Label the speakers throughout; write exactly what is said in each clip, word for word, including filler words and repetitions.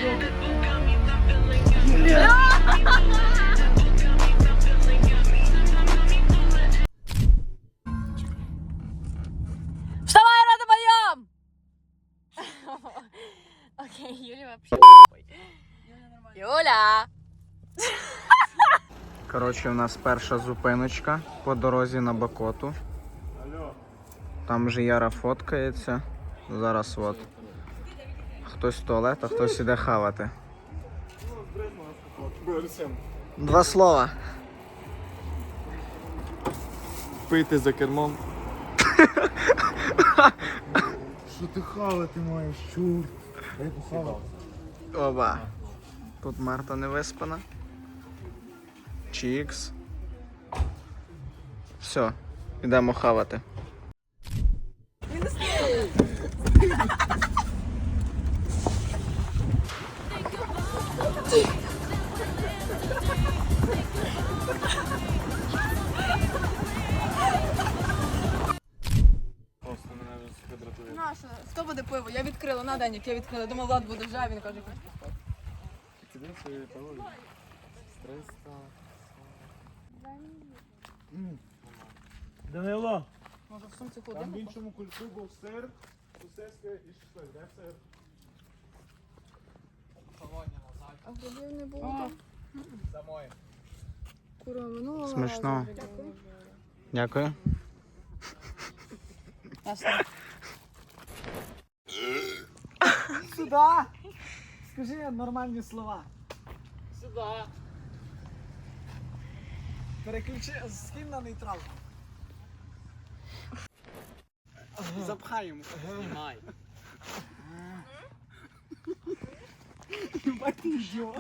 Speaker 1: Вставай, рада, подъем! Окей, Юля вообще... Юля!
Speaker 2: Коротше, у нас перша зупиночка по дорозі на Бакоту. Там вже Яра фоткається. Зараз от. Хтось в туалет, а хтось іде хавати. Два слова.
Speaker 3: Пийте за кермом. Що ти хавати маєш, чур? Дай похавати.
Speaker 2: Оба. Тут Марта не виспана. Чікс. Все, йдемо хавати.
Speaker 1: Наша, хто буде пиво? Я відкрила, на Денік, я відкрила. Думала, Влад буде вже, а він каже, хоч поспати.
Speaker 3: Данило,
Speaker 1: Може в сумці
Speaker 3: там в
Speaker 1: ходимо?
Speaker 3: іншому кульку був сир, сосиска і шашлик. Де сир?
Speaker 1: А грибів не було.
Speaker 3: За моє.
Speaker 1: Кура минула.
Speaker 2: Смачно. Дякую.
Speaker 4: Сюда! Скажи нормальні слова.
Speaker 3: Сюди.
Speaker 4: Переключи, скинь на нейтрал. Запхаємо.
Speaker 3: Знімай.
Speaker 4: Ебать ти ідіот.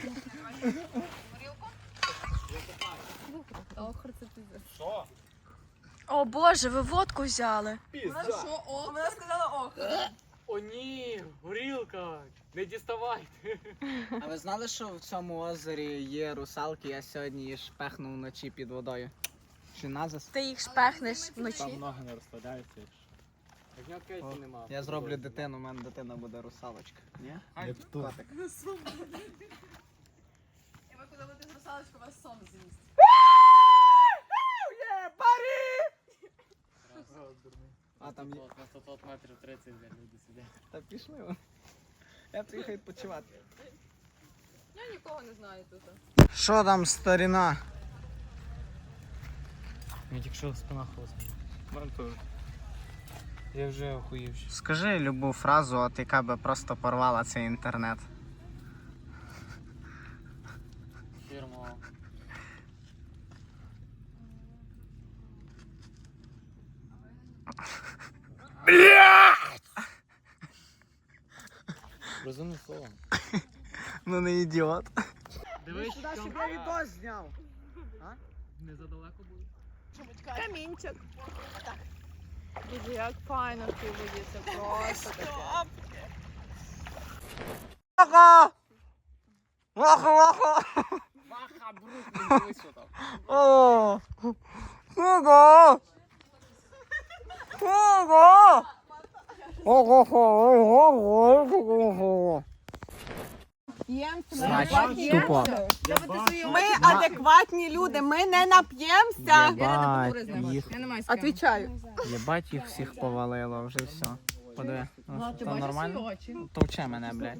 Speaker 3: Що?
Speaker 1: О боже, ви водку взяли.
Speaker 3: Пізда.
Speaker 1: Що, ох? Вона сказала ох.
Speaker 5: О ні, горілка, не діставайте.
Speaker 2: А ви знали, що в цьому озері є русалки? Я сьогодні її шпехнув вночі під водою. Чи назас?
Speaker 1: Ти їх шпехнеш
Speaker 3: Там
Speaker 1: вночі.
Speaker 3: ноги не розкладаються.
Speaker 5: Так в нього кейсі нема.
Speaker 2: Я зроблю дитину, у мене дитина буде русалочка. Ні?
Speaker 3: Як тут.
Speaker 2: Котик.
Speaker 1: І ви коли будете з русалочкою, вас сон з'їсть.
Speaker 2: А там є.
Speaker 5: На сто метрів тридцять, блядь, люди сидять.
Speaker 2: Та пішли вони. Я приїхав відпочивати.
Speaker 1: Я нікого не знаю тут.
Speaker 2: Що там, старіна?
Speaker 5: Я тільки що спина хлопця. Я вже охуївши.
Speaker 2: Скажи любу фразу, от яка би просто порвала цей інтернет.
Speaker 5: Фірма. Розумне слово.
Speaker 2: Ну не ідіот.
Speaker 5: Дивись,
Speaker 4: Сюди, щоб я відос зняв.
Speaker 5: не задалеко буде.
Speaker 1: Камінчик. Боже, як файно в цій воді, це просто таке.
Speaker 2: Ваха! Ваха, ваха!
Speaker 5: Ваха, брук, не дивись, що там.
Speaker 2: О! Ого! Ого! Ого! Значить, тупо.
Speaker 6: Ми адекватні люди, ми не нап'ємося.
Speaker 2: Єбать їх,
Speaker 6: Отвічаю.
Speaker 2: єбать їх всіх повалило, вже все. Подиви, ну, то нормально? Товче мене, блядь.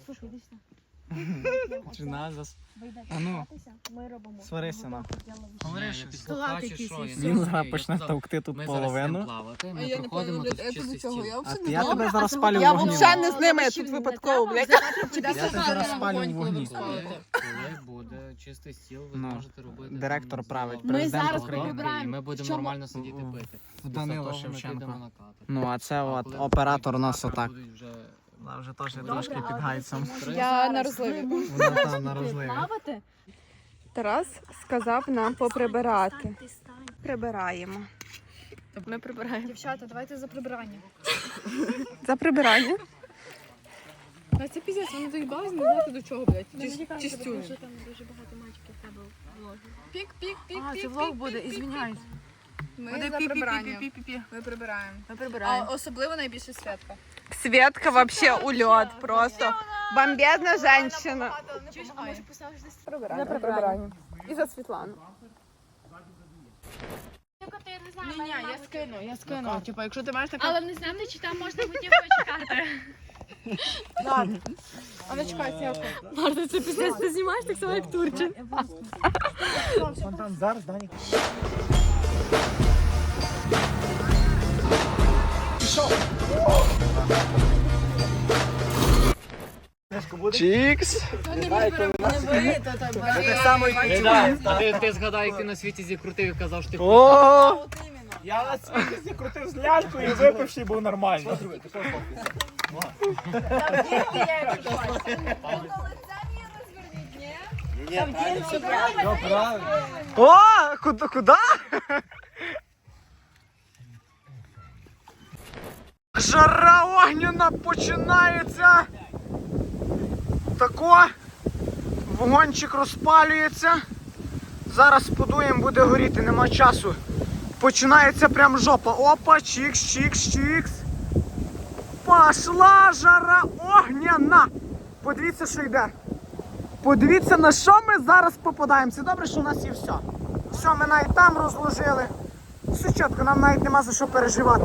Speaker 2: Чи назас? А ну, сварися на.
Speaker 5: Говори, що
Speaker 2: Він зараз почне товкти тут
Speaker 5: Ми зараз йдемо
Speaker 2: половину.
Speaker 5: плавати,
Speaker 1: А
Speaker 5: ми
Speaker 1: я не
Speaker 5: проходимо
Speaker 1: поняла,
Speaker 5: тут
Speaker 1: я тобі
Speaker 5: чистий
Speaker 1: цього,
Speaker 5: стіл.
Speaker 1: я
Speaker 2: А
Speaker 1: взагалі
Speaker 2: ти-
Speaker 1: не
Speaker 2: я
Speaker 1: знала.
Speaker 2: тебе зараз спалю
Speaker 6: Я
Speaker 2: в вогні.
Speaker 6: взагалі не з ними тут випадково, блядь.
Speaker 2: Я тебе зараз спалю в вогні.
Speaker 5: Коли, коли буде чистий стіл, ви
Speaker 2: Ну,
Speaker 5: можете робити.
Speaker 2: директор
Speaker 5: там,
Speaker 2: править,
Speaker 5: зал.
Speaker 2: президент
Speaker 5: Готовки,
Speaker 2: України.
Speaker 5: І ми будемо нормально сидіти
Speaker 2: в-
Speaker 5: пити.
Speaker 2: В Данило
Speaker 5: Після того ми підемо
Speaker 2: Шевченко.
Speaker 5: на катер.
Speaker 2: Ну, а це
Speaker 5: А
Speaker 2: от
Speaker 5: коли
Speaker 2: оператор у нас
Speaker 5: оператори
Speaker 2: отак.
Speaker 5: будуть вже
Speaker 2: Вона вже теж трошки під гайцем.
Speaker 1: Я на розливі.
Speaker 2: Вона там на розливі.
Speaker 6: Тарас сказав нам поприбирати. Прибираємо.
Speaker 1: Ми прибираємо. Дівчата, давайте за прибирання.
Speaker 6: За прибирання.
Speaker 1: А це піздець, вони доїбались, не знати до чого, блядь. Чистюню. Пік, пік, пік,
Speaker 6: А,
Speaker 1: пік,
Speaker 6: це влог
Speaker 1: пік,
Speaker 6: буде,
Speaker 1: пік,
Speaker 6: ізвиняюсь.
Speaker 1: Ми за прибирання. Ми прибираємо.
Speaker 6: Ми
Speaker 1: А
Speaker 6: прибираємо.
Speaker 1: особливо найбільше Святка.
Speaker 6: Светка вообще улет просто. Бомбезна женщина.
Speaker 1: А може поставиш десь?
Speaker 6: За прибирання. І за Світлану.
Speaker 1: Ні, ні, я скину, я скину. Типу, якщо ти маєш таку...
Speaker 7: Але не знаю, чи там можна готівку чекати.
Speaker 1: А ну чекай, Святка.
Speaker 7: Марта, це після ти знімаєш так само, як Турчин.
Speaker 4: Фонтан зараз, Данік.
Speaker 2: Чікс!
Speaker 4: Так само і ти.
Speaker 5: Ти, ти згадай, як ти на світі зікрутив і казав, що ти
Speaker 2: О!
Speaker 3: Я на світі крутив з лялькою і випивши був нормально.
Speaker 2: О! Куди? Куди? Жара огняна починається. Тако. Вогончик розпалюється. Зараз подуємо, буде горіти, нема часу. Починається прям жопа. Опа, чікс, чікс, чікс. Пошла жара огняна. Подивіться, що йде. Подивіться, на що ми зараз попадаємо. Це добре, що у нас є все. Все, ми навіть там розложили. Все чітко, нам навіть нема за що переживати.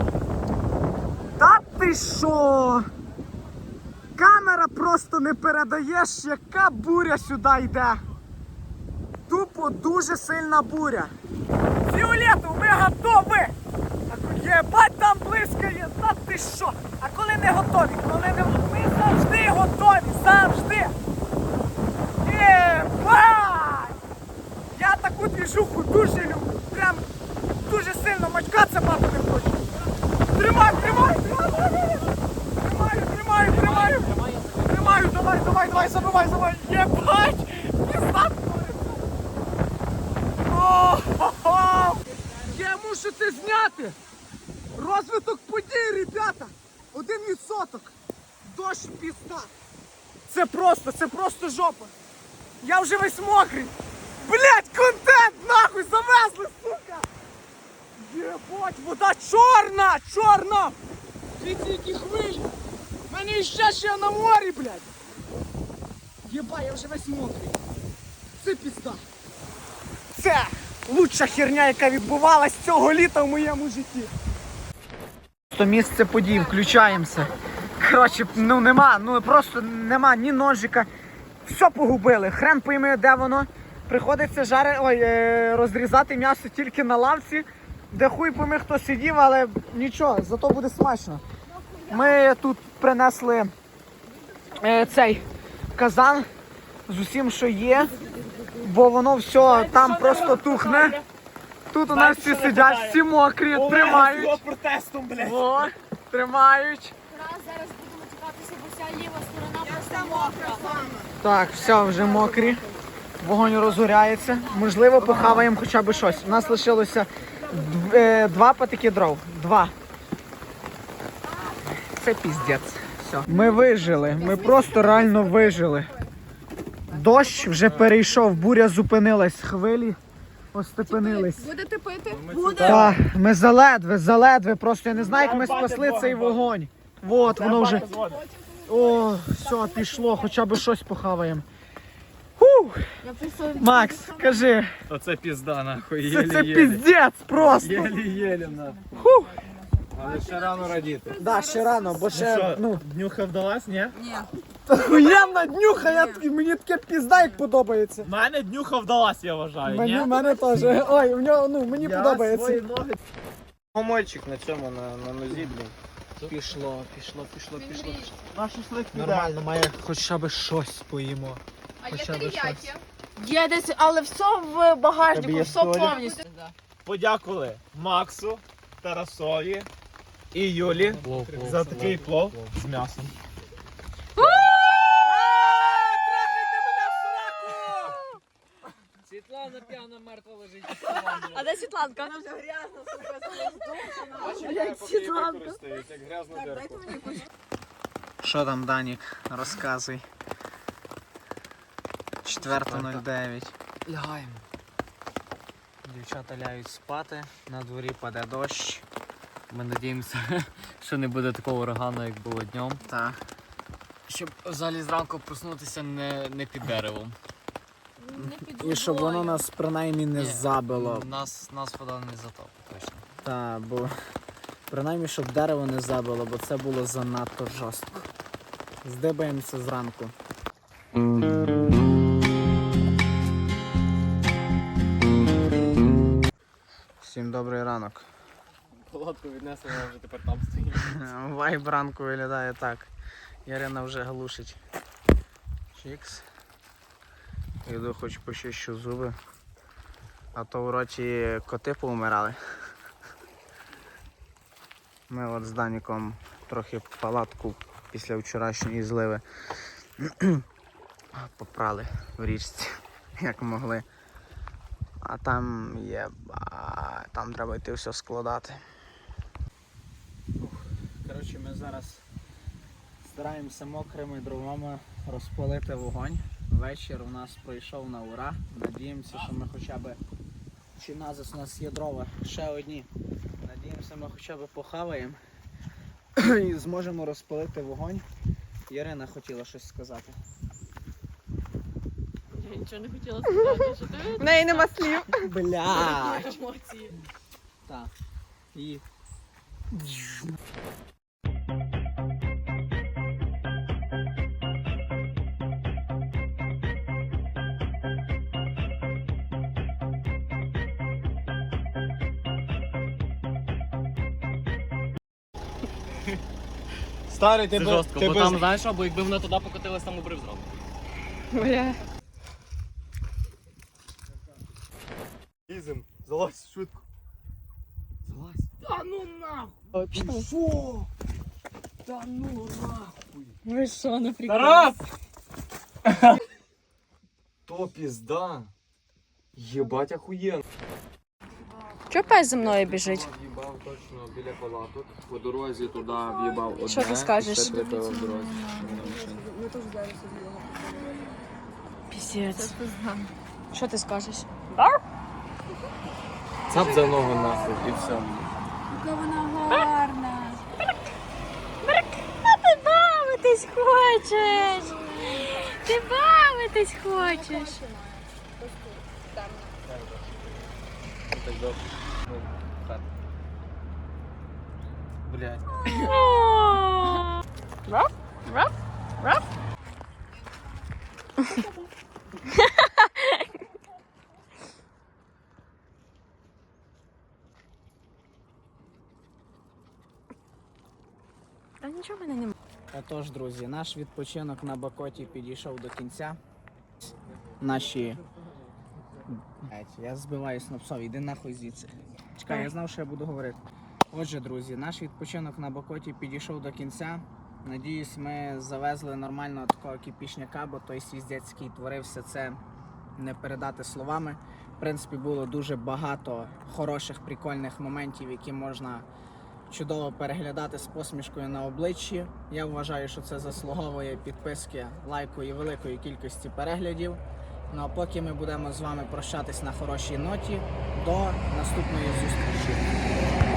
Speaker 2: Та ти що? Камера просто не передаєш, яка буря сюди йде. Тупо дуже сильна буря. Фіолетов, ми готові! Єбать, там блискає, та ти що? А коли не готові? Коли не ми завжди готові, завжди! Єбать! Я таку двіжуху дуже люблю. Прям дуже сильно мачкатися мати не хочу. Тримай, тримай, тримай! Тримаю, тримаю, тримаю! Тримаю, давай, давай, давай, забивай, забивай! Єбать! Пізда! О-хо-хо! Я мушу це зняти! Розвиток подій, ребята! Один відсоток! Дощ пізда! Це просто, це просто жопа! Я вже весь мокрий! Блять, контент нахуй завезли, сука! Єбать, вода чорна! Чорна! Дивіться, які хвилі! У мене іще ще на морі, блядь! Єба, я вже весь мокрий! Це пізда! Це лучша херня, яка відбувалась цього літа в моєму житті! То місце подій, включаємося. Коротше, ну нема, ну просто нема ні ножика. Все погубили, хрен пойми, де воно. Приходиться жари... Ой, е... розрізати м'ясо тільки на лавці, де хуй пойми хто сидів, але нічого, зато буде смачно. Ми тут принесли е, цей казан з усім, що є, бо воно все там просто тухне. Тут у нас всі сидять, всі мокрі, тримають.
Speaker 3: протестом, блядь.
Speaker 2: О, тримають.
Speaker 7: Раз зараз будемо чекатися, бо вся ліва сторона просто мокра.
Speaker 2: Так, все, вже мокрі. Вогонь розгоряється. Можливо, похаваємо хоча б щось. У нас лишилося дв- е, два патики дров. Два. Це піздець. Все. Ми вижили. Ми просто реально вижили. Дощ вже перейшов, буря зупинилась, хвилі остепенились.
Speaker 1: Будете пити?
Speaker 2: Так, ми заледве, заледве. Просто я не знаю, як ми спасли цей вогонь. От, воно вже. О, все, пішло, хоча б щось похаваємо. Фух. Макс, кажи,
Speaker 5: Оце пізда, нахуй,
Speaker 2: це, це піздець просто.
Speaker 5: Єлі-єлі, нахуй.
Speaker 2: Фух.
Speaker 5: Але ще рано радіти.
Speaker 2: Да, ще рано, бо ще, ну,
Speaker 3: Днюха вдалась, ні?
Speaker 2: охуєнна днюха, я, такий- мені таке пізда, як подобається.
Speaker 3: В мене днюха вдалась, я вважаю,
Speaker 2: Мені,
Speaker 3: ні?
Speaker 2: мене теж, ой, в нього, ну, мені подобається.
Speaker 3: ноги.
Speaker 2: Помольчик на цьому, на, на нозі, блін. Пішло, пішло, пішло, пішло.
Speaker 3: На шашлик піде.
Speaker 2: Нормально, має хоча б щось поїмо.
Speaker 1: А є
Speaker 2: Хоча б
Speaker 1: теріякі?
Speaker 6: Є десь, але все в багажнику,
Speaker 2: Тобі є
Speaker 6: все
Speaker 2: солі?
Speaker 6: повністю.
Speaker 3: Подякували Максу, Тарасові і Юлі за такий плов з м'ясом.
Speaker 5: Світлана п'яна, мертва лежить.
Speaker 6: А де Світланка? Вона вже грязна, сука, як Світланка.
Speaker 5: Як грязна дерку.
Speaker 2: Що там, Данік, розказуй. четверта нуль дев'ять.
Speaker 5: Лягаємо.
Speaker 2: Дівчата ляють спати, на дворі паде дощ.
Speaker 5: Ми надіємося, що не буде такого урагану, як було днем.
Speaker 2: Та.
Speaker 5: Щоб взагалі зранку проснутися не, не під деревом.
Speaker 7: Не під
Speaker 2: І щоб воно
Speaker 7: водою.
Speaker 2: нас принаймні не
Speaker 5: Ні,
Speaker 2: забило.
Speaker 5: Нас, нас вода не затопить точно.
Speaker 2: Та, бо принаймні, щоб дерево не забило, бо це було занадто жорстко. Здибаємося зранку. Всім добрий ранок.
Speaker 5: Палатку віднесено, вже тепер там стоїть.
Speaker 2: Вайб ранку виглядає так. Ярина вже глушить. Чікс. Йду, хоч почищу зуби. А то в роті коти поумирали. Ми от з Даніком трохи палатку після вчорашньої зливи попрали в річці, як могли. А там є, а, там треба йти все складати. Коротше, ми зараз стараємося мокрими дровами розпалити вогонь. Вечір у нас пройшов на ура. Надіємося, що ми хоча б, чи назис у нас є дрова, ще одні. Надіємося, ми хоча б похаваємо і зможемо розпалити вогонь. Ярина хотіла щось сказати.
Speaker 1: Я нічого не хотіла сказати, що ти
Speaker 6: В неї нема слів.
Speaker 2: Бля!
Speaker 1: емоції.
Speaker 2: Так. І...
Speaker 4: Старий,
Speaker 5: Це
Speaker 4: ти
Speaker 5: жорстко,
Speaker 4: ти
Speaker 5: бо
Speaker 4: без-
Speaker 5: там, знаєш що, бо якби вона туди покотилась, там обрив зразу.
Speaker 6: Бля.
Speaker 3: Лізем, залазь швидко.
Speaker 6: Ви що, на прикол?
Speaker 4: Тарас! То пізда. Єбать охуєнно.
Speaker 6: Чого пес за мною біжить?
Speaker 4: В'їбав точно біля палаток. По дорозі туди в'їбав одне.
Speaker 6: Що ти скажеш?
Speaker 4: І ще третє в дорозі.
Speaker 6: Піздець. Що ти скажеш?
Speaker 4: Цап за ногу нахуй і все.
Speaker 7: Яка вона гарна. А ти бавитись хочеш. Ти бавитись хочеш.
Speaker 4: Так добре.
Speaker 2: Блядь.
Speaker 6: Та нічого в мене немає.
Speaker 2: Отож, друзі, наш відпочинок на Бакоті підійшов до кінця. Наші... Блядь, я збиваюсь на псові, йди нахуй звідси. Чекай, я знав, що я буду говорити. Отже, друзі, наш відпочинок на Бакоті підійшов до кінця. Надіюсь, ми завезли нормального такого кіпішняка, бо той свіздець, який творився, це не передати словами. В принципі, було дуже багато хороших, прикольних моментів, які можна чудово переглядати з посмішкою на обличчі. Я вважаю, що це заслуговує підписки, лайку і великої кількості переглядів. Ну а поки ми будемо з вами прощатись на хорошій ноті, до наступної зустрічі.